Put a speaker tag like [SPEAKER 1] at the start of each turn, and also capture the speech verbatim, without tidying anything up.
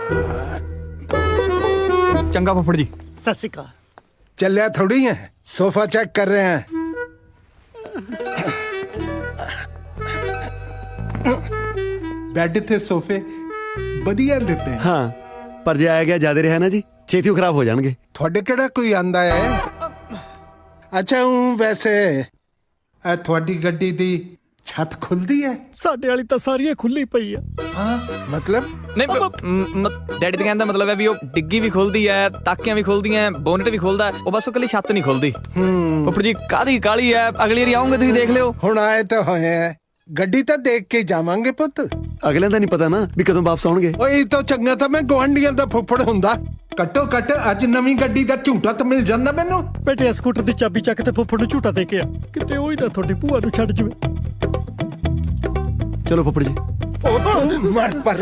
[SPEAKER 1] चंगा फुफड़ जी।
[SPEAKER 2] सत श्री अकाल।
[SPEAKER 3] चलिया थोड़ी है, सोफा चेक कर रहे हैं। बेड थे सोफे बढ़िया देते हैं।
[SPEAKER 4] हाँ पर जे आया गया ज्यादा रहा ना जी छेती खराब हो जाएंगे।
[SPEAKER 3] थोड़े केड़ा कोई आंदा है? अच्छा हूँ वैसे आ थोड़ी गड्डी दी छत खुलदी है?
[SPEAKER 2] साडे वाली तां सारियां खुली पई आ।
[SPEAKER 3] हाँ मतलब
[SPEAKER 1] नहीं डैडी तो कहने मतलब है भी वो डिग्गी भी खुलदी है, ताकियां भी खुलदी हैं, बोनट भी खुलदा है, वो बस वो कली छत नहीं खुलदी। फुफड़ जी कादी काली है, अगली बारी आऊंगे तुसीं देख लियो।
[SPEAKER 3] हुण आए तो होए हैं, गड्डी तो देख के जावांगे पुत।
[SPEAKER 4] अगले का नहीं पता ना भी कदों वापस आउणगे।
[SPEAKER 3] ओए तो चंगा था मैं गुआंढियां दा फुफड़ हुंदा। कट्टो कट अज नवी गड्डी दा झूटा तो मिल जांदा मैनू।
[SPEAKER 2] बेटे स्कूटर दी चाबी चक ते फुੱਫੜ ਨੂੰ ਝੂਟਾ ਦੇ ਕੇ ਆ ਕਿਤੇ ਉਹ ਹੀ ਨਾ ਤੁਹਾਡੀ ਭੂਆ ਨੂੰ ਛੱਡ ਜਵੇ।
[SPEAKER 4] चलो फुफड़ जी।
[SPEAKER 3] मर पर